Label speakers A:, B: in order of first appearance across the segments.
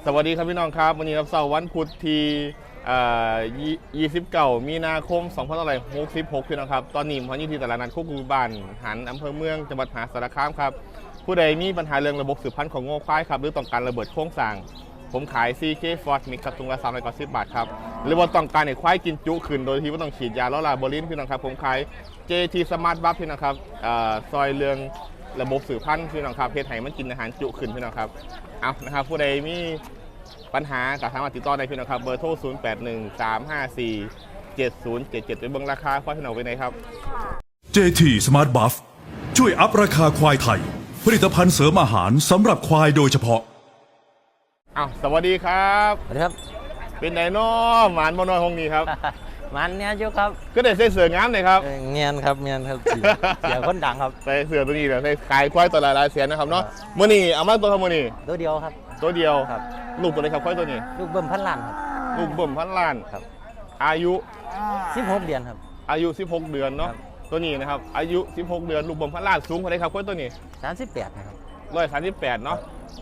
A: สวัสดีครับพี่น้องครับวันนี้รับเสาร์วันพุธที่29 มีนาคม 2566พี่น้องครับตอนนี้ผมอยู่ที่ตลาดนัดโคกรูบ้านหันอำเภอเมืองจังหวัดมหาสารคามครับผู้ใดมีปัญหาเรื่องระบบสืบพันธุ์ของโง่ควายครับหรือต้องการระเบิดโครงสร้างผมขาย CK Ford Mix ครับถุงละ310 บาทครับหรือว่าต้องการให้ควายกินจุขึ้นโดยที่ไม่ต้องฉีดยาล้อลาโบลินพี่น้องครับผมขาย JT Smart Buff พี่น้องครับซอยเรื่องระบบสืบพันธุ์พี่น้องครับเพศไห้มันกินอาหารจุขึ้นพี่น้องครับเอานะครับผู้ใดมีปัญหากับทางติดต่อได้พี่น้องครับเบอร์โทร 0813547077 ไปเบิ่งราคาควายพี่น้องไปไหนครับ
B: JT Smart Buff ช่วยอัพราคาควายไทยผลิตภัณฑ์เสริมอาหารสำหรับควายโดยเฉพาะ
A: สวัสดีครับ
C: สวัสดีครับ
A: เป็นไดโน่หมานบนนอยห้องนี้ครับ
C: มันเนี่ยจุครับ
A: ก็ได้ใส่เสื้องามเลยครับ
C: เงียนครับเงียนครับเสียคนดังครับ
A: ใส่เสื้อตัวนี้เลยใส่ขายควายตัวหลายๆเสียนะครับเนาะมื้อนี้เอามาตัวครับมื้อนี้
C: ตัวเดียวครับ
A: ตัวเดียว
C: ครับ
A: ลูกตัวไหนครับควายตัวนี้
C: ลูกเบิ่มพันล้านครับ
A: ลูกเบิ่มพันล้าน
C: ครับ
A: อายุ
C: 16 เดือนครับ
A: อายุ16 เดือนเนาะ
C: ครับ
A: ตัวนี้นะครับอายุ16 เดือนลูกเบิ่มพันล้านสูงเท่าไหร่ครับควายตัวนี้
C: 38นะครับ
A: 138เนาะ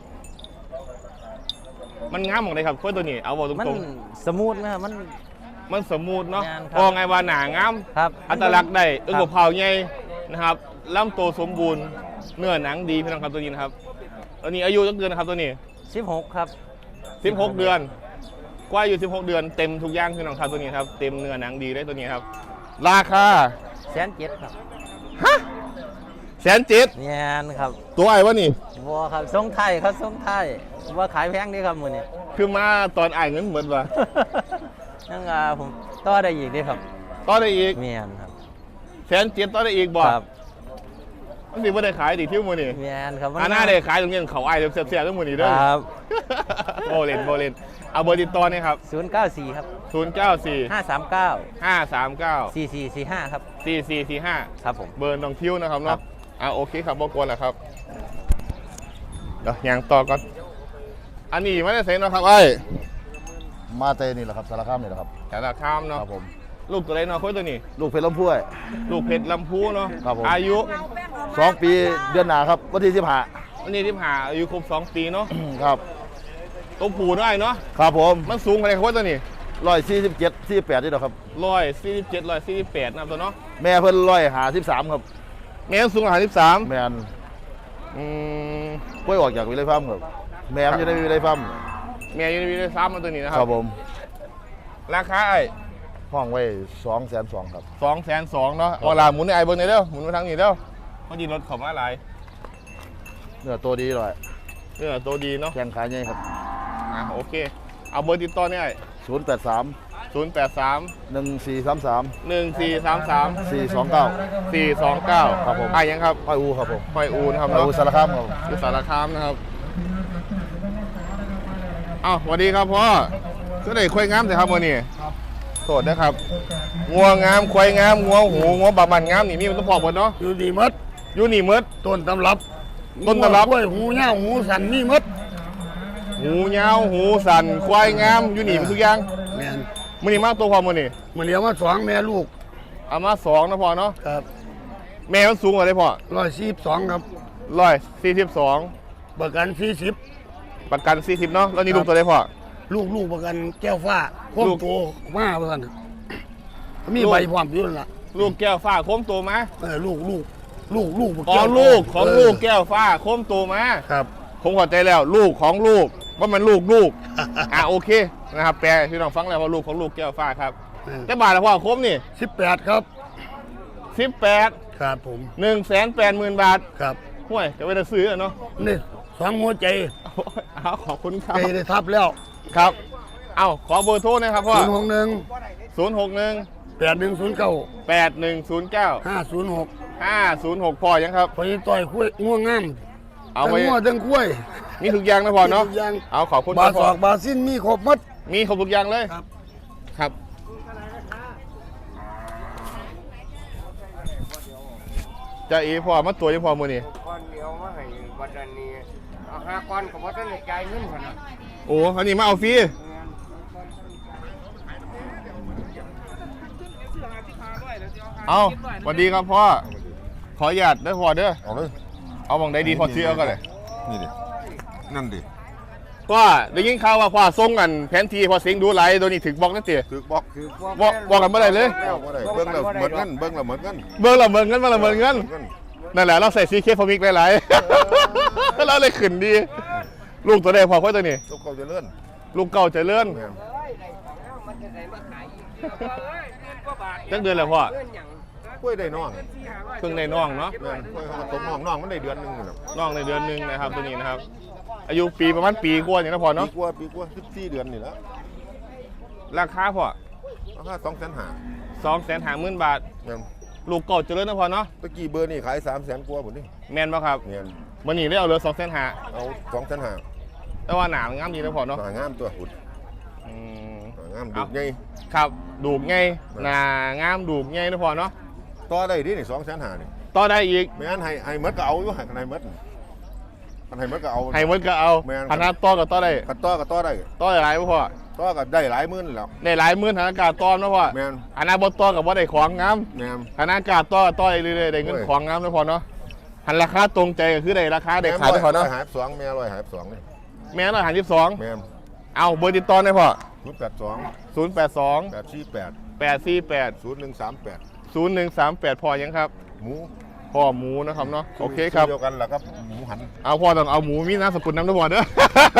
A: มันงามของไหนครับควายตัวนี้เอาบอกต
C: มัน
A: รง
C: สมูทนะครับ
A: มันสมูทเนาะ
C: งามครับ
A: พอไงว่าหนางาม
C: ครับ
A: อัตลักษณ์ได้อึ้ง
C: ค
A: กั
C: รั
A: บบ เผาใหญ่นะครับลำตัวสมบูรณ์เนื้อหนังดีพี่น้องครับตัวนี้นะครับตัวนี้อายุจักเดือนนะครับตัวนี้
C: 16ครับ
A: 16 เดือนกว่าอยู่16 เดือนเต็มทุกอย่างพี่น้องครับตัวนี้ครับเต็มเนื้อหนังดีได้ตัวนี้ครับราคา
C: 107ครับ
A: ฮะ107,000
C: เงียนครับ
A: ตัวไอ้วะนี่
C: บัวครับทรงไทยครับทรงไทยว่าขายแพงดีครับมื้อนี้
A: คือมาตอนอ่ายเงินเหมือนวะ
C: ยังผมต่อได้อีกดีครับ
A: ต่อได้อีก
C: เมียนครับ
A: 107,000ต่อได้อีกบ่
C: ครับ
A: มันสิบ่ได้ขายดิที่มื้อนี้
C: เมียนครับ
A: หน้าได้ขายตรงนี้เขาอ้ายเสียบๆทั้งมื้อนี้เด้อ
C: ครับ
A: โบเลนเอาเบอร์ติดต่อเนี่ยครับ
C: 094ครับ
A: 094
C: 539
A: 539
C: 4445ครับ
A: 4445
C: ครับผม
A: เบอร์น้องคิวนะครับ
C: ครั
A: เนาะ
C: บ
A: โอเคครับบอกวนแหละครับเดี๋ยวยังต่อก่อนอันนี้ไม่ได้เซ็นนะครับไอ้
D: มาเตนี่แหละครับสารคามนี่แหละครับ
A: แต่ละข้ามเนาะ
D: ครับผม
A: ลูกตัวเล็กเนาะคุยตัวนี้
D: ลูกเพชรลำพู้ย
A: ลูกเพชรลำพูเนาะ
D: ครับผม
A: อายุ
D: 2 ปีเดือนหนาครับวันที่15
A: วันนี้ที่ผ่าอายุครบ2 ปีเนาะ
D: ครับ
A: ตัวผูได้เนาะ
D: ครับผม
A: มันสูงอะไรครับตัวนี้
D: 147 48นี่แหละครับ
A: 147 148นะครับตัวเนาะ
D: แม่เพิ่น153ครับ
A: แม่สูง153
D: แม่น
A: อืม
D: กล้วยออกจากวิไลฟาร์มครับแม่มันจะได้วิไลฟาร์ม
A: แม่อยูนิวีได้ซ้ำมาตัวนี้นะค
D: ค
A: รั
D: รับ บผม
A: ราคาไอ้
D: ห้องไว้202,000ครับ
A: 202,000เนาะเอาล่ะหมุนในไอเบิ้งนี่เด้อหมุนมาทางนี้เด้อเพราะดีรถเขามาหลาย
D: เนื้อตัวดีเลย
A: ตัวดีเนาะ
D: แข้งขาใหญ่ครับ
A: โอเคเอาเบอร์ติดต่อเนี่ย
D: 083
A: 083
D: 1433
A: 1433
D: 429
A: 429
D: ครับผม
A: ไอ้ยังครับ
D: ห้อยอูครับผม
A: ไฟอูนะครับ
D: ห้อย
A: เนาะ
D: อูสารคามครับ
A: อยู่สารคามนะครับสวัสดีครับพ่อก็ได้ควายงามแต่ครับวันนี้โทษนะครับงัวงามควายงามงัวหูงัวบาบันงามนี่มีมันต้องพอหมดเนาะ
E: อยู่ดีมด
A: อยู่นี่หมด
E: ต้นตำรับ
A: ต้นตำรับ
E: กล้วยหูเง่าหูสันนี่มด
A: หูยาวหูสันควายงามอยู่นี่มันทุกอย่าง
E: แม่น
A: มือนี่มากตัวพอมือนี่
E: มันเลี้ยงมา2 แม่ลูก
A: เอามา2นะพ่อเนาะ
E: ครับ
A: แม่มันสูงกว่าได้พ่อ
E: 142ครับ
A: 142
E: ประกัน40
A: ประกัน40เนาะแล้วนี่ลูกตัวได้พ่อ
E: ลูกประกันแก้วฟ้าโค้ง
A: ลูก
E: โตมาประกันมี
A: ลูก
E: ใบพร้อมอยู่นั่นล่ะ
A: ลูกแก้วฟ้าโค้มตัวมา
E: ลูก
A: อ๋อ
E: แก้ว
A: ลูกของลูกแก้วฟ้าโค้มตัวมา
E: ครับ
A: ผมเข้าใจแล้วลูกของลูกว่ามันลูก โอเคนะครับแปลพี่น้องฟังแล้วว่าลูกของลูกแก้วฟ้าครับแต่บาทละพ่อโค้มนี่
E: 18ครับ
A: 18
E: ครับผม
A: 180,000 บาท
E: ครับ
A: ห่วยจะไปซื้อเนาะ
E: นี่2 หัวใจ
A: ขอบคุณครับ
E: ใจได้ทับแล้ว
A: ครับขอเบอร์โทรนะครับพ่อ
E: 061
A: 061
E: 8109
A: 8109
E: 506
A: 506พ่อยังครับ
E: พอนี้ต่อยกล้วยง่วงงาม
A: เอา
E: ทั้ง
A: ไว้
E: งัวทั้งกล้วย
A: มีทุกอย่างนะพ่อเนาะ
E: มีทุกอย่าง
A: เอาขอบคุณ
E: บา
A: ครับ
E: ส
A: พ่อ
E: อกบาสิ้นมีครบหมด
A: มีครบทุกอย่างเลย
E: ครับ
A: ครับจะอีพ่อมาตัวยังพ่อมือนี่
F: ก้อนเดียวมาให้บัดนี้เอา5ก้อนก็บ่ทันได้จ่ายเงินพุ่นน่ะ
A: โอ้อันนี้มาเอาฟรีเอาสวัสดีครับพ่อขออนุญาตได้อพ่อเด้อ
D: เอาเลย
A: เอาบังใดดีพอซื้อเอากันเลย
D: นี่ดินั่นดิ
A: พ่อได้ยินข่าวว่าพ่อส่งกันแผนที่พ่อเสียงดูไหลตัวนี้ถึงบอกนั่นเตี๋ย
D: ถือบอก
A: บอกกันเมื่อไหร่เลย
D: แล้วบ่ได้เบิ่งแล้วเหมือนกันเบิ่งแล้วเหมือนกัน
A: เบิ่งละเมินเงินมาละเมินเงินนั่นแหละเราใส่ซีเคฟอมิกหลายๆ เราเลยขึ้นดี ลูกตัวใดพอค่อยตัวนี้
D: ลูกเขาจะเลื่อน
A: ลูกเก่าเจะเลื่อน
D: แม่น
F: มันจะได้มาขายอีกเงินกว่าบาท
A: จักเดือนแล้วพ่อ
F: เงินหยัง
D: กล้วยได้น้อง
A: เพิ่งในน้องเนาะ
D: แม่นกล้วยเขาก็ตกน้องมันได้เดือนหนึงนี่แหละ
A: น้องในเดือนหนึงนะครับตัวนี้นะครับ อายุปีประมาณปีกว่าอย่างนั้นพอ
D: ปี
A: เนาะ
D: กว่า14เดือนนี่แหละ
A: ราคาพอ
D: ราคา250,000
A: 250,000 บาท
D: แม่น
A: ลูกเก่าเจริญนะพอเนาะ
D: ตะกี้เบอร์นี่ขาย300,000กว่าพุ่นนี่
A: แม่นป่ะครับ
D: แม่น
A: วันนี้ได้เอาเหลือ2,500,000
D: เอา250,000
A: แต่ว่าหนามันงามดีนะพอเนาะ
D: หางามตัวหุ่น
A: อืม
D: หางามดุใหญ่
A: ครับดูกไงหนางามดูกไงนะพอเนาะ
D: ต่อได้ดินี่250,000นี่
A: ต่อได้อีก
D: แม่นให้หมดก็เอาอยู่ให้หมดมันให้หมดก็เอา
A: ให้หมดก็เอา
D: แม่น
A: ขนาดต่อก็ต่อได้
D: กันต่อก็ต่อได้
A: ต่อได้หลายบ่พอ
D: ต่อก็ได้หลายหมื่นแล้ว
A: ได้หลายหมื่นฐานอากาศต่อนะพ่อ
D: แม่น
A: ขนาดบ่ต่อกับว่าได้ของงาม
D: แม่น
A: ฐานอากาศต่อก็ต่อได้เรื่อยๆได้เงิน
D: โอ้ย
A: ของงามนะพ่อเนาะหันราคาตรงใจก็คือได้ราคาได้ขายได้พอเนาะ
D: 152แม่152นี่
A: แม่152
D: แม่น
A: เอาเบอร์ติดต่อได้พ่อ
D: 082
A: 082
D: 848
A: 848
D: 0138
A: 0138พอยังครับ
D: หมู
A: พ่อหมูนะครับเนาะโอเคครับ
D: เดียวกันแหละครับหมูหัน
A: เอาพ่อต้องเอาหมูมีน้ำสกุลน้ำตะวันเด้อ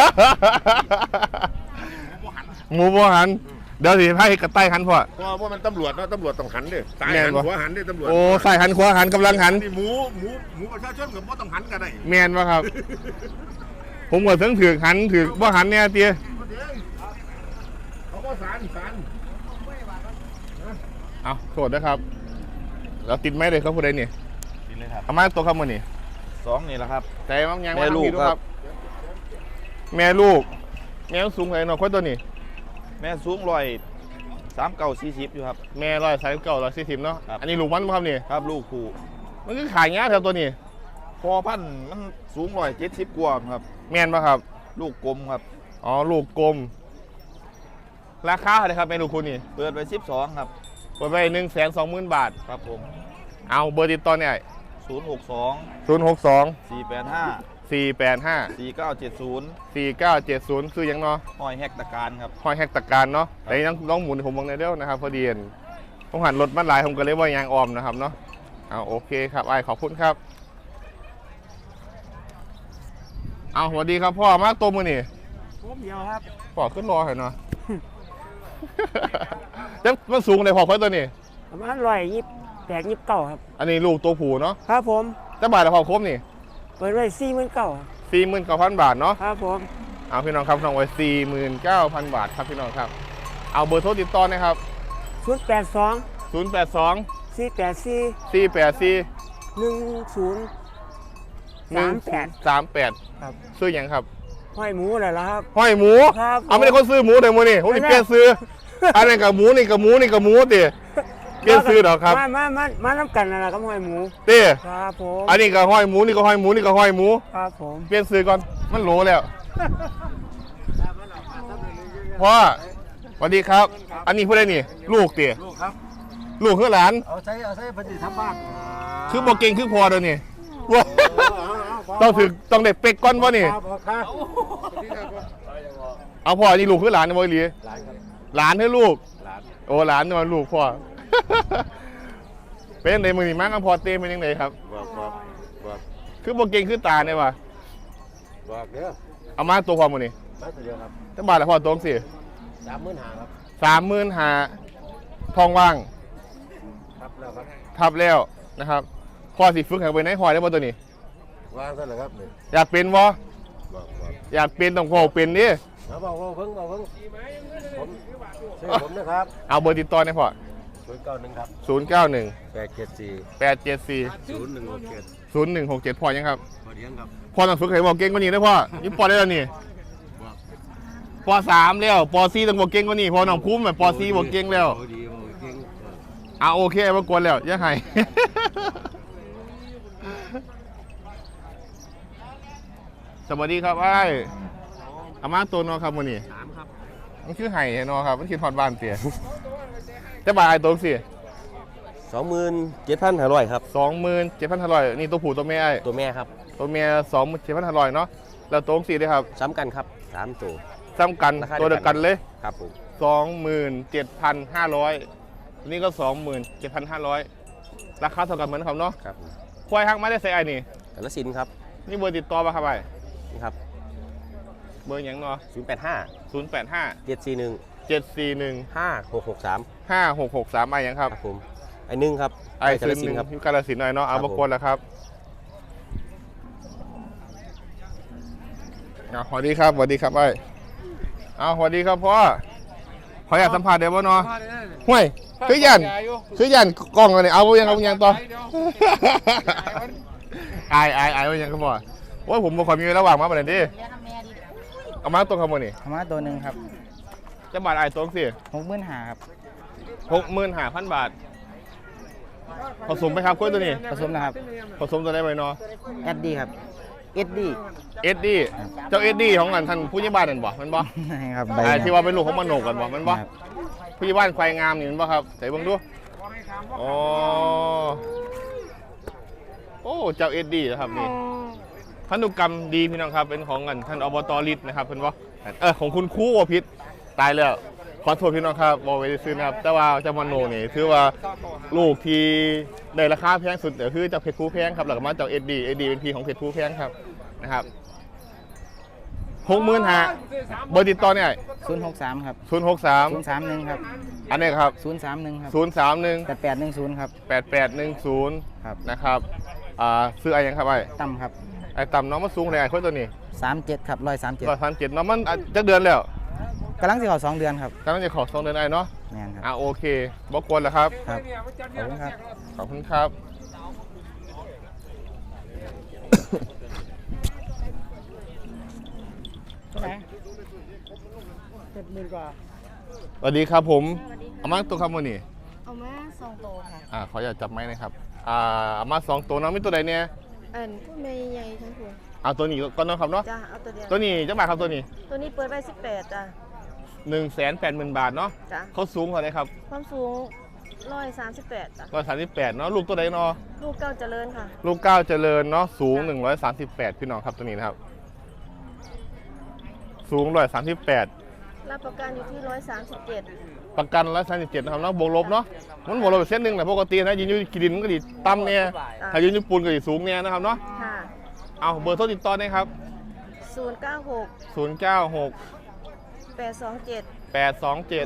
A: หมูบ่หันเดี๋ยวสิให้กระต่ายหันพ่อ
D: เพราะว่ามันตำรวจเนาะตำรวจต้องหันเด้สาย
A: แม่
D: หั
A: น
D: น
A: บ่
D: หัวหันเด้ตำรวจ
A: โอ้ใส่หันขวาหันกำลังหัน
D: นี่หมูประชาชนกับบ่ต้องหันกันได้
A: แมนวะครับ ผมก็ถึงถือหันถือว่าหันเนี่ยเตี้ย
D: เขาก็สาร
A: เอาโทษนะครับเราติดไหมเลยครับผู้ใดนี่
G: กินเลยครับ
A: เอามาตัวคำมือนี่
G: 2นี่แหละครับ
A: ใจมั้งยัง
G: แม่ลูก
A: าทำผิดด้วย
G: ครับ
A: แม่ลูกแม่สูงเลยเนาะคนตัวนี้
G: แม่สูง139-40อยู่ครับ
A: แม่139-140เนาะ
G: ครับ
A: อันนี้ลูกมันบ่ครับนี่
G: ครับลูกคู่
A: มันคือขายเงี้ยแถวตัวนี้
G: พอพันธุ์มันสูง170กว่าครับ
A: แม่นปะครับ
G: ลูกกลมครับ
A: อ๋อลูกกลมราคาเท่าไหร่ครับแม่ลูกคุณนี่
G: เปิดไป12ครับ
A: เปิดไป120,000 บาท
G: ครับผม
A: เอาเบอร์ติดต่อเนี่ย
G: 062
A: 062
G: 485
A: 485
G: 4970
A: 4970คือหยังเนาะ
G: ห้อยแฮกตะการครับ
A: ห้อยแฮกตะการเนาะแต่น้องหมุนผมมองในเดียวนะครับพอดีเห็นผมหันรถมาหลายผมก็เลยว่ายางออมนะครับเนาะเอาโอเคครับไอ้ขอบคุณครับเอาสวัสดีครับพ่อมาตัวมือนี่
E: ผมเดียวครับ
A: พ่อขึ้นรอหน่อยเนาะ แต่มันสูงเลยพ่อค่อยตัวนี้
E: ประมาณ128-29ครับ
A: อันนี้ลูกตัวผูเนาะ
E: ครับผม
A: แต่บาทละพอครบนี่
E: เปิดไว้49,000ครับ
A: 49,000 บาทเนาะ
E: ครับผม
A: เอาพี่น้องครับน้องไว้49,000 บาทครับพี่น้องครับเอาเบอร์โทรติดต่อนะครับ
E: 082
A: 082
E: 484
A: 484
E: 1038 ครับ
A: ซื้อหยังครับ
E: ห้อยหมูเลยละครับ
A: ห้อยหมู
E: ครับ
A: เอาไม่ได้คนซื้อหมูแต่หมูนี่ผมนี่เปลี่ยนซื้อ อันนี้กับหมูนี่กับหมูนี่กับหมูติเปลี่ยนซื้อดอกครับ
E: มาน้ำกันนั่นแหละครับห้อยหมู
A: ติ
E: ครับผม
A: อันนี้ก็ห้อยหมูนี่ก็ห้อยหมูนี่ก็ห้อยหมู
E: ครับผม
A: เปลี่ยนซื้อก่อนมันโหลแล้วพ่อสวัสดีครับ อันนี้ผู้ใดนี่ ลูกติลูกครับ ลูกคือหลาน
E: เอาใช้ปฏิทำบ้าน
A: คือบ่เก่งคือพอเดี๋ยวนี้ว้าต้องได้เป็กก้อนวะนี่
E: ครับ
A: เอาพ่อนี่ลูกคือหลานนะบ่อีหลีหลานคือลูกโอ้หลานนี่มันลูกพ่อ เป็นจังไดมื้อนี้มากับพ่อเต้เป็นจังไดครับ
D: บอก
A: คือบ่เก่งคือตาเนี่ยว่ะ
D: บอกเด้อ
A: เอามาตัวพ่อมื้อนี้
D: มาตัวเดียวครับ
A: จังบาทละพ่อตรงสิ
D: 35,000ครับ
A: 35,000ทองว่าง
D: ครับแล้วครับ
A: ทับแล้วนะครับพ่อสิฝึกให้ไปในหอยได้บ่ตัวนี้
D: วางซะเลยครับนี่
A: อยากเป็นบ่
D: บอก
A: อยากเป็นต้องพ่อเป็นดิ
D: เอาบอกเพิ่งผมชื่อผมนะครับ
A: เอาเบอร์ติดต่อหน่อยพ่อ
D: 091ครับ
A: 091
D: 874
A: 874
D: 0167
A: 0167พ่อยังครับ
D: พอเลี้ยงครับ
A: พ่อต้องฝึกให้บอกเก่งกว่านี้ได้พ่อนี่ปอได้แล้วนี่ปอ3แล้วปอ4ต้องบอกเก่งกว่านี้พ่อน้องคุ้มแบบปอ4บอกเก่งแล้ว
D: ดีเก่ง
A: เอาโอเคมากวนแล้วยังไง สวัสดีครับไอ้อามาตัวนอครับมื้อนี้3ครับมันคือไห่นอครับมันคือทอดบ้านเตี๋ย จะบาทไอ้ตัวสิ
G: 27,500ครับ
A: 27,500นี่ตัวผู้ตัวแม่ไอ้
G: ตัวแม่ครับ
A: ตัวเมีย27,500เนาะแล้วตัวสี่ด้วยครับ
G: ซ้ำกันครับ
D: 3 ตัว
A: ซ้ำกัน
D: ราคา
A: ตัวเดียวกันเลย
D: ครับผม
A: 27,500นี่ก็ 27,500ราคาเท่ากันเหมือนครับเนาะ
D: ครับผม
A: ควายหักมาได้ใส่ไอ้นี่
D: กาฬสินธุ์ครับ
A: นี่เบอร์ติดต่อป่ะครับไอ้
D: นี่ครับ
A: เบอร์หยังเนาะ
D: 085
A: 085
D: 741
A: 741
D: 5663
A: 5663ไอ้หยังครับ
D: ครับผมไอ้หนึ่งครับ
A: ไอ้
D: กาฬ
A: ซื้อ
D: สิ
A: ห
D: น
A: นึ่ง
D: ธุ์ครับ
A: อยู่กาฬสินธุ์หน่อยเนาะเอา
D: ครับ
A: บ
D: ผม
A: กวนแล้วครับสวัสดีครับสวัสดีครับไอ้สวัสดีครับพ่อขออยากสัมผัสเดี๋ยวบ่เนาะห่วยคือยันกล้องอะไรเอายังต่ออายว่ายังครับพ่อว่าผมบ่ค่อยมีเวลาว่างมาประเด็นดิเอามาตัวขโมยนี่
E: ธรรมะตัวหนึ่งครับ
A: จะบาทไอ้ตัวสิ
E: 65,000ครับ
A: 65,000 บาทผสมไปครับกล้วยตัวนี้
E: ผสมนะครับ
A: ผสมตัวได้ไหมเนาะ
E: แอดดี้ครับเอ็ดดี้
A: เอ็ดดี้เจ้าเอ็ดดี้ของกันท่านผู้ใหญ่บ้านนั่นบ่มันบ่
E: ครับ
A: ที่ว่าเป็นลูกของมโนกันบ่มันบ่ผู้ใหญ่บ้านควายงามนี่มันบ่ครับใส่เบิ่งดูอ๋อโอ้เจ้าเอ็ดดี้นะครับนี่พันธุกรรมดีพี่น้องครับเป็นของกันท่านอบต.ฤทธิ์นะครับเพิ่นบ่ของคุณครูวพิษตายแล้วขอโทษพี่น้องครับบ่ไว้ซื้อนะครับแต่ว่าเจ้ามโนนี่ถือว่าลูกที่ได้ราคาแพงสุดก็คือเจ้าเพชรภูแพงครับแล้วก็มาเจ้าเอ็ดดี้เป็นพี่ของเพชรภูแพงครับนะครับ65,000เบอร์ติดต่อเนี่ย
E: 063ครับ
A: 063
E: 031ครับ
A: อันนี้ครับ
E: 031ครับ
A: 031
E: 8810ครับ
A: 8810
E: ครับ
A: นะครับซื้ออะไรยังครับไอ้
E: ต่ำครับ
A: ไอ้ต่ำน้องมาสูงเลยไอ้คนตัวนี้
E: 37ครับ137
A: 137น้องมันจะเดือนแล้ว
E: กำลังสิเข้า2 เดือนครับ
A: กำลังจะขอ2 เดือนไอ้เนาะ
E: แม่นครับ
A: โอเคบอกกวนแล้วครับ
E: ครับขอบคุณครับ
A: ขอบคุณครับ
E: 70,000 กว่า
A: สวัสดีครับผมเอามาตัวคำวันนี้
H: เอามา2โตค่ะ
A: ขออย่าจับไม้นะครับเอามา2ตัวน้องมีตัวใดเนี่ย
H: พวกแม่ใหญ่ทั้งคู่
A: เอาตัวนี้ก็น้องครับเนาะ
H: จ้าเอาตัวเดียว
A: ตัวนี้จะบาทครับตัวนี้
H: ตัวนี้เปิดไว้18จ้ะ
A: 180,000 บาทเนาะ
H: จ้ะ
A: เขาสูงเท่าไหร่ครับ
H: ความสูง138จ้ะ
A: 138เนาะลูกตัวใดเนาะ
H: ลูกเก้าเจริญค่ะ
A: ลูกเก้าเจริญเนาะสูง138พี่น้องครับตัวนี้นะครับสูง138
H: รับประกันอยู่ที่137
A: ประกัน137นะครับเนาะบวกลบเนาะมันบวกลบไปเส้นหนึ่งแหละปกตินะยืนอยู่กีดินมันก็ดีต่ำเนี่ยถ้ายืนอยู่ปูนก็ดีสูงเนี่ยนะครับเนาะ
H: ค่ะ
A: เอาเบอร์โทรติดต่อได้ครับ
H: 096
A: 096
H: 827
A: 827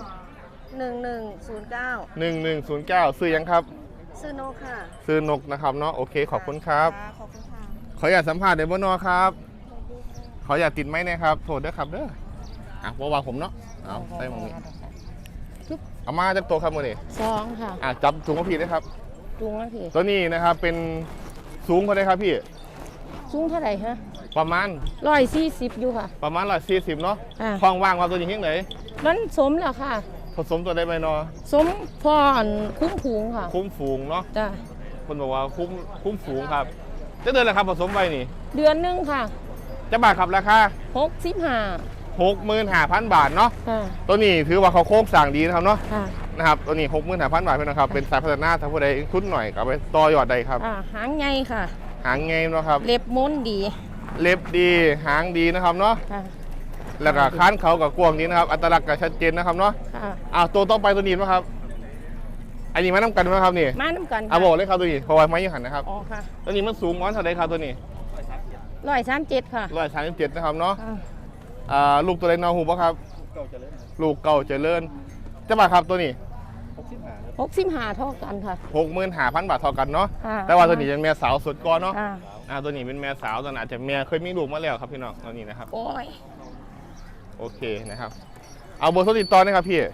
H: 1109
A: 1109ซื้อยังครับ
H: ซื้อโนค่ะ
A: ซื้อนกนะครับเนาะโอเคขอบคุณครับ
H: ะขอบคุณค่ะ
A: ขออยากสัมภาษณ์เดบนอครับขออยากติดไหมนะครับโทษด้วยครับเด้อวางผมเนาะเอาใส่หมองนี้เอามาจากตัวครับมือนี่
H: 2ค่ะ
A: จับถุงกระพีได้ครับ
H: จุงนะพี่
A: ตัวนี้นะครับเป็นสูงเท่าไหร่ครับพี่
H: สูงเท่าไหร่ฮะ
A: ประมาณ
H: 140อยู่ค่ะ
A: ประมาณ140เนาะ
H: อ่า
A: คลองว่างครับตัวนี้ที่ไหน
H: มันสมแล้วค่ะ
A: ผสมตัวได้ไหมเนาะ
H: สมพรคุ้มผูงค่ะ
A: คุ้มฝูงเนาะ
H: จ้ะ
A: คนบอกว่าคุ้มฝูงครับจะเดินราคาผสมไปนี่
H: เดือนหนึงค่ะ
A: จะบาทครับราคา
H: 65
A: 65,000 บาทเนาะ
H: ค่ะ
A: ตัวนี้ถือว่าเขาโค้งสั่งดีนะครับเนาะ
H: ค่ะ
A: นะครับตัวนี้ 65,000 บาทเพื่อนนะครับเป็นสายพัฒนาถ้าผู้ใดทุนหน่อยก็เอาไปต่อยอดได้ครับ
H: หางไงค่ะ
A: หางไงเนาะครับ
H: เล็บม้วนดี
A: เล็บดีหางดีนะครับเนาะ
H: ค่ะ
A: แล้วก็ค้านเขากับกวางนี้นะครับอัตลักษณ์ก็ชัดเจนนะครับเนาะ
H: ค่ะ
A: ตัวต่อไปตัวนี้นะครับอันนี้มาน้ำกันไหมครับนี่
H: มาน้ำกัน
A: บอกเลยครับตัวนี้เพราะว่าไม่ยังหันนะครับ
H: อ๋อค่ะ
A: ตัวนี้มันสูงม้อนเท่าไรครับตัวนี้
H: 137ค่ะ
A: 137นะครับเนาะ
H: อ่า
A: ลูกตัวเล็กนอหูปะครับลูกเก่าเจริญจะบาทครับตัวนี้
H: 65เท่ากันค่ะ
A: 65,000 บาทเท่ากันเนาะ
H: ค่ะ
A: แต่ว่าตัวนี้เป็นแม่สาวสุดก่อนเนาะ
H: ค่ะ
A: ตัวนี้เป็นแม่สาวตัวนั้นอาจจะแม่เคยมีลูกมาแล้วครับพี่น้องตัวนี้นะครับ
H: โอ้ย
A: โอเคนะครับเอาเบอร์โทรติดต่อนะครับพี่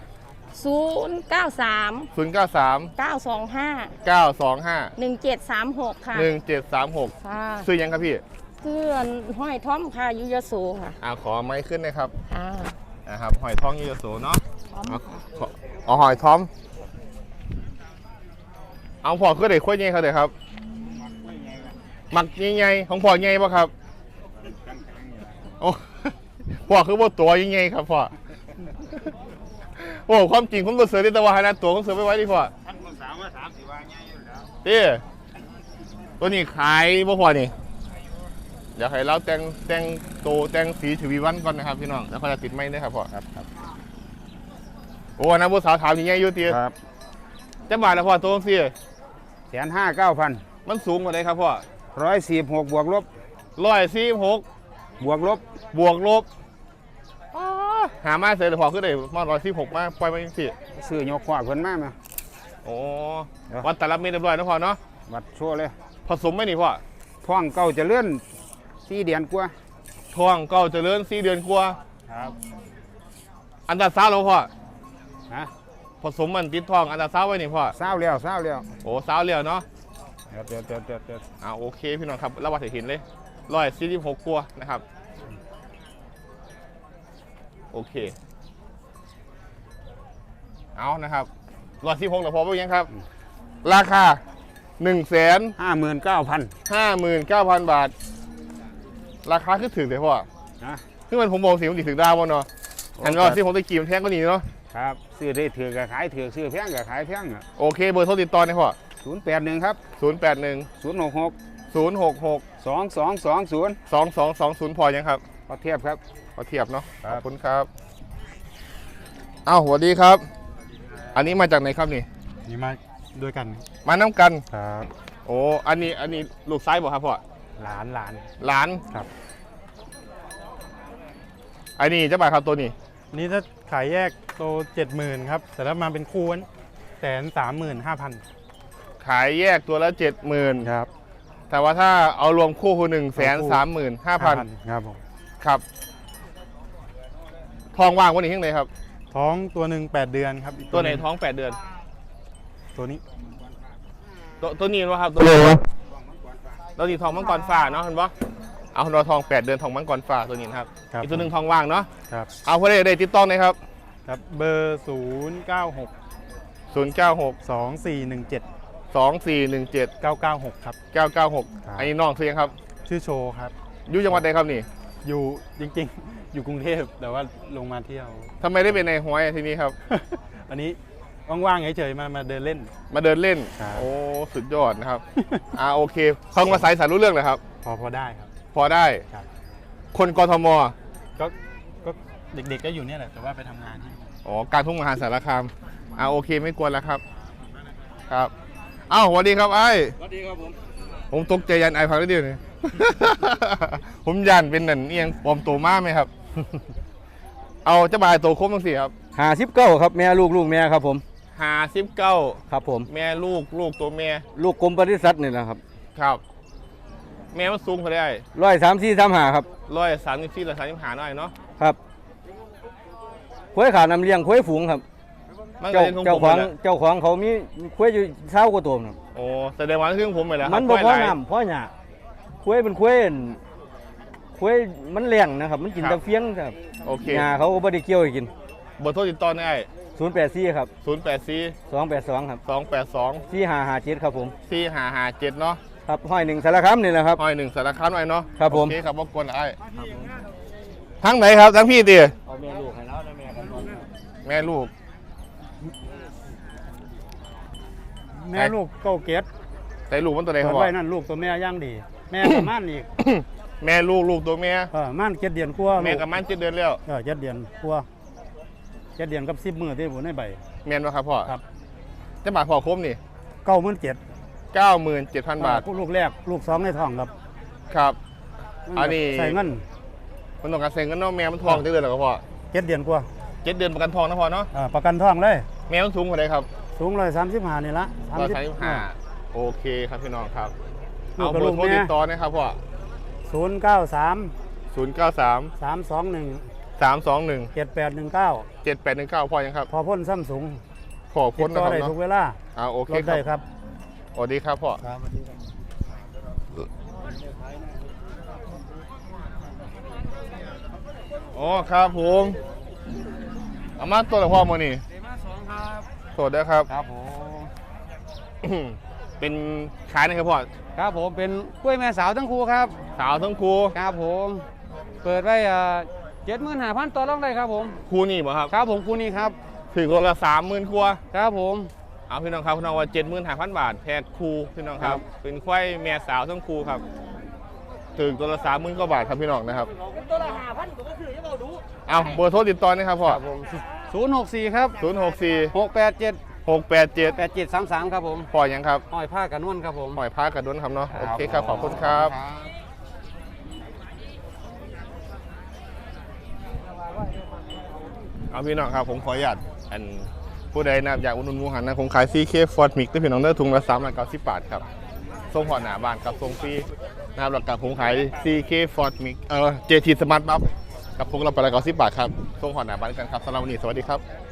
H: 093
A: 093
H: 925
A: 925
H: 1736ค่ะ
A: 1736
H: ค่ะ
A: ซื้อยังครับพี่
H: เพื่อนห้อยท่อมค่ะอยุยโสค่ะ
A: ขอไม้ขึ้นนะครับ
H: ค่ะ
A: นะครับหอยทองยูโสเนาะ
H: ท่อม
A: เอาหอยทอมเอาพอคือเด็กค่อยใหญ่เขาเด็กครับหมักใหญ่ๆของพ่อใหญ่ป่ะครับโอ้ พ่อคือว่าตัวใหญ่ๆครับพ่อโอ้ความจริงผมตัวเสือที่ตะวันนะตัวผมเสือไปไว้ดิพ่อตัวนี้ขายบ่พอนี่เดี๋ยวให้เราแต่งโตแต่งสีชวีวันก่อนนะครับพี่น้องแล้วเขาจะติดไม้ได้ครับพ่อ
G: ครับ
A: โอ้นะผู้สาวถามอย่างเงี้ยอยู่ตี
G: ครับ
A: จะบาทละพ่อตัวสิ
G: 159,000
A: มันสูงกว่าไหนครับพ่อ
G: 146บวกลบ
A: 146
G: บวกลบบ
A: วกลบหามาเสร็จแล้วพอขึ้นได้มา146มาปล่อยมาสิ
G: ซื้อยกขวาเพิ่นมาไหม
A: โอ้วัดแต่ละเม็ดเรียบร้อยนะพ่อเนาะ
G: วัดโชว์เลย
A: ผสมไหมนี่พ่อ
G: ท้องเก่าจะเลื่อน4 เดือนกว่า
A: ท้องเก้าเจริญ4 เดือนกว่า
G: ครับ
A: อันตราซาวด์แล้วพ่อ
G: ฮะ
A: ผสมมันติดท้องอันตราซาวด์ไว้นี่พ่อ
G: เศร้าแล้ว
A: โอ้ซาวด์เลี้ยวเนาะ
G: เดี๋ยว
A: โอเคพี่น้องครับเราวัดเห็นเลย146กว่านะครับโอเคเอานะครับ146แล้วพอไปยังครับ ราคา
G: 59,000
A: บาท ราคาคือถึงเลยพ่อ
G: ฮะ
A: คือมันผมบอกสิมันถึงดาวบ่เนาะอันว่าที่ผมตะกี้มันแพงก็นี่เนาะ
G: ครับซื้อได้ถือก็ขายถือซื้อแพงก็ขายแพงอ่ะ
A: โอเคเบอร์โทรติดต่อนะพ่อ
G: 081 ครับ
A: 081
G: 066
A: 066
G: 2220
A: 2220พอยังครับ
G: พอเทียบครับ
A: ขอเทียบเนาะ
G: ครั
A: ข
G: บ
A: อบคุณครับอ้าวสวัสดีครับ อันนี้มาจากไหนครับนี่
I: นี่มาด้วยกัน
A: มาน้ำกัน
I: ครับ
A: โอ้อันนี้ลูกไซส์บ่ครับพ่อ
I: หลาน
A: หลาน
I: ครับ
A: อันนี้จะบาทครับตัวนี้
I: นี่ถ้าขายแยกโต70,000ครับ แต่ถ้ามาเป็นคู่135,000
A: ขายแยกตัวละ 70,000
I: ครับ
A: แต่ว่าถ้าเอารวมคู่คือ135,000
I: ครับผม
A: ครับ ทองว่างวันนี้ที่ไหนครับ
I: ท้องตัวหนึ่ง8 เดือนครับอีก
A: ตัวไหนท้อง 8 เดือน
I: ตัวนี้
A: ตัวนี้วะครับตัวนี้ตัวนี้ทองมังกรฟ้าเนาะเห็นปะเอาเราทอง 8 เดือนทองมังกรฟ้าตัวนี้นะครับ
I: ครับ
A: อีกตัวหนึ่งทองว่างเนาะ
I: ครับ
A: เอาคนได้ติดต่อหน่อยครับ
I: ครับเบอร์096
A: 096
I: 2417
A: 2417
I: 996 ครับ
A: 996 อันนี้น้องเสียงครับ
I: ชื่อโชว์ครับ
A: อยู่จังหวัดใดครับนี่
I: อยู่จริงๆ อยู่กรุงเทพแต่ว่าลงมาเที่ยว
A: ทำไมได้เป็นในห้อยทีนี้ครับ
I: อันนี้ว่างๆเฉยๆมาเดินเล่น
A: มาเดินเล่น
I: ครับ
A: โอ้ สุดยอดนะครับ โอเคฟังภาษาอีสานรู้เรื่องเลยครับ
I: พอได้ครับ
A: พอได้
I: ครับ
A: คนกทม
I: ก็เด็กๆก็อยู่เนี่ยแหละแต่ว่าไปทำงานที่
A: อ๋อ การทุ่งมหาสารคามโอเคไม่กวนแล้วครับ ครับอ้าวสวัสดีครับไอ้สวัสดีครับผมตกใจยันไอ้พักได้เดียวนี่ ผมยันเป็นหนันเอียงปลอมตัวมากไหมครับ เอาเจ้าบายตัวครบทั้งสี่ครับ
C: 59ครับแม่ลูกแม่ครับผม
A: 59
C: ครับผม
A: แม่ลูกตัวแม่
C: ลูกกรมปศุสัตว์นี่แหละครับ
A: ครับ แม่มันสูงเขาได้
C: 134-35ครับ
A: 134 135หน่อยเนาะ
C: ครับควายขาน้ำเลี้ยงควายฝูงครับ
A: มันก็
C: เจ้า
A: เป็นของผม
C: เจ้าของเขามีควายอยู่20กว่าตัวครับ
A: โอ้แสดงว่าเครื่องผมไปแล้ว
C: มันบ่พอน้ำพอหญ้าควายเป็นควายมันเลี้ยงนะครับ มันกินแต่เฟี้ยงครับ
A: โอเค
C: หญ้าเขาก็บ่ได้เกี่ยวให้กิน
A: เบอร์โทรติดต่อได้
C: 084ครับ
A: 084
C: 282ครับ
A: 282
C: 4557ครับผม
A: 4557เนาะ
C: ครับห้อยหนึ่งสารคามนี่แหละครับ
A: ห้อยหนึ่งสารคามหน่อยเนาะ
C: ครับผม
A: โอเคครับรบกวนไอ้ทั้งไหนครับทั้งพี่ตี
C: เอาแม่ลูกให้แล้วนะแม่ครับ
A: แม่ลูก
I: แม่ลูกเก้าเกต
A: ใส่ลูกมันตัวไหนค
I: เปิ
A: รั
I: ด
A: บ
I: ไว้นั่นลูกตัวแม่ย่างดี แม่ประมาณอีก
A: แม่ลูกตัวแม่
I: ม่าน7 เดือนกว่า
A: แม่กับมัน7 เดือนแล้ว
I: 7 เดือนกว่า7 เดือนกับ10 มื้อที่ผมในใบ
A: แม่นวะครับพ่อ
I: ครับ
A: จะบาทพอครบนี่
I: 97,000
A: 97,000 บาท
I: ลูกแรกลูก2ในท้องครับ
A: ครับ อันนี้
I: ใส่เงิน
A: มันต้องการเซ็นกันเนาะแม่มันทอง7 เดือนแล้วครับพ่อ
I: 7 เดือนกว่า
A: 7 เดือนประกันทองนะพ่อเนาะ
I: ประกันท้องเลย
A: แม่มันสูงกว่าไหนครับ
I: สูง135นี่ละ
A: 135โอเคครับพี่น้องครับ
I: ลู
A: เอา
I: กกับ
A: เบอ
I: ลู
A: ร์
I: ก
A: โทร
I: แม่
A: ติดต่อนะครับพ่อ
I: 093
A: 093
I: 321
A: 321
I: 7819
A: 7819พ่อยังครับ
I: พอพ่นซ้ำสูง
A: ขอ
I: ติ
A: พ้
I: ด
A: น
I: ต่
A: นะ
I: อ
A: ครับ
I: ได้
A: เนาะ
I: ทุกเวลา
A: โอเค
I: รถ
A: ครั
I: ได้
A: บ
I: ครับ
A: สวัสดีครับพ่อ
I: ครับสวัสดีครับ
A: อ๋อครับผมเอามาตัวละพ่อมานี่สวัสดีครับ
C: ครับผม
A: เป็นขายนะครับพ่อ
C: ครับผมเป็นกล้วยแม่สาวทั้งคู่ครับ
A: สาวทั้งครู
C: ครับผมเปิดไว้75,000ต่อรองได้ครับผม
A: ครูนี่บ่ครับ
C: ครับผมคู่นี้ครับ
A: ถึงคนละ30,000ครัว
C: ครับผม
A: เอาพี่น้องครับพี่น้องว่า75,000 บาทแพทย์ครูพี่น้องครับ เป็นควายแม่สาวทั้งครูครับถึงตัวละ30,000กว่าบาทครับพี่น้องนะครับ
D: ตัวละ5,000ก็คือจะเอาดู
A: เอาเบอร์โทรติดต่อนะครับพ่อ
I: 064ครับ
A: 064
I: 687
A: 687
I: 8733ครับผม
A: พ่อยังครับ
I: ห้อยผ้ากันนวลครับผม
A: หอยพากระดุนครับเนาะโอเคครับขอบคุณครับเอาพี่น้องครับผมขออนุญาตอันผู้ใดนะครับอยากอุดหนุนหมูหันนะผมขาย CK Ford Mix ด้วยพี่น้องเด้อถุงละ390 บาทครับส่งผ่อนหนาบ้านครับส่งฟรีนะครับหลักการผมขาย CK Ford Mix JT Smart Buff กับพวกเราไปละ90 บาทครับส่งผ่อนหนาบ้านกันครับสำหรับวันนี้สวัสดีครับ